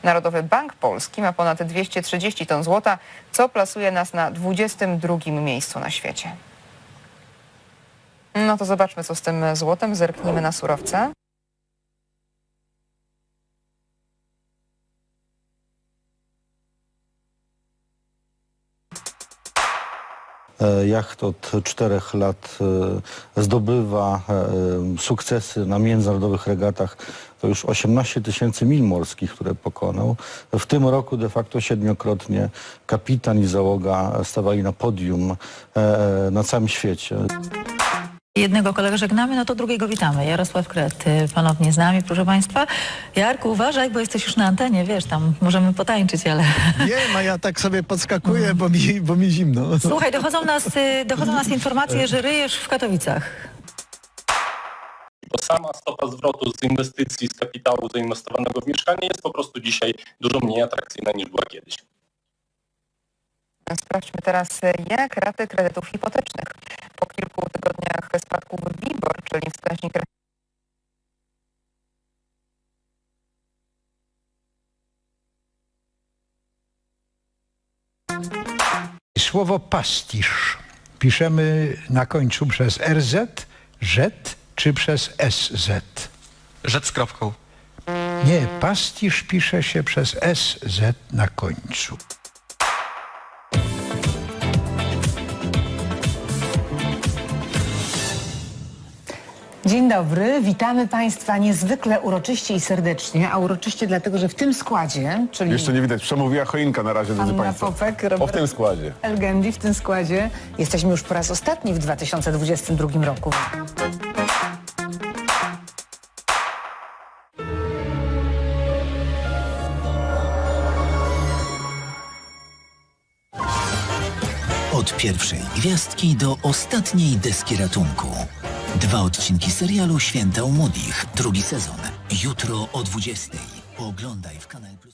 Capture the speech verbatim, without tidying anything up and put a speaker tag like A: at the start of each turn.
A: Narodowy Bank Polski ma ponad dwieście trzydzieści ton złota, co plasuje nas na dwudziestym drugim miejscu na świecie. No to zobaczmy, co z tym złotem. Zerknijmy na surowce.
B: Jacht od czterech lat zdobywa sukcesy na międzynarodowych regatach. To już osiemnaście tysięcy mil morskich, które pokonał. W tym roku de facto siedmiokrotnie kapitan i załoga stawali na podium na całym świecie.
C: Jednego kolegę żegnamy, no to drugiego witamy. Jarosław Kret ponownie z nami, proszę Państwa. Jarku, uważaj, bo jesteś już na antenie, wiesz, tam możemy potańczyć, ale...
D: Nie, a ja tak sobie podskakuję, bo mi, bo mi zimno.
C: Słuchaj, dochodzą nas, dochodzą nas informacje, że ryjesz w Katowicach.
E: Bo sama stopa zwrotu z inwestycji, z kapitału zainwestowanego w mieszkanie jest po prostu dzisiaj dużo mniej atrakcyjna niż była kiedyś.
A: Sprawdźmy teraz, jak raty kredytów hipotecznych. Po kilku tygodniach spadków WIBOR, czyli wskaźnik...
F: Słowo pastisz piszemy na końcu przez R Z, Z czy przez S Z?
G: Rzec z kropką.
F: Nie, pastisz pisze się przez S Z na końcu.
H: Dzień dobry, witamy Państwa niezwykle uroczyście i serdecznie, a uroczyście dlatego, że w tym składzie, czyli
I: Jeszcze nie widać, przemówiła choinka na razie, drodzy
H: Anna
I: Państwo.
H: Popek,
I: O, w
H: Robert
I: tym składzie.
H: Elgendi w tym składzie, jesteśmy już po raz ostatni w dwa tysiące dwudziestym drugim roku.
J: Od pierwszej gwiazdki do ostatniej deski ratunku. Dwa odcinki serialu Święta u Młodych, drugi sezon. Jutro o dwudziestej. Oglądaj w Kanal Plus.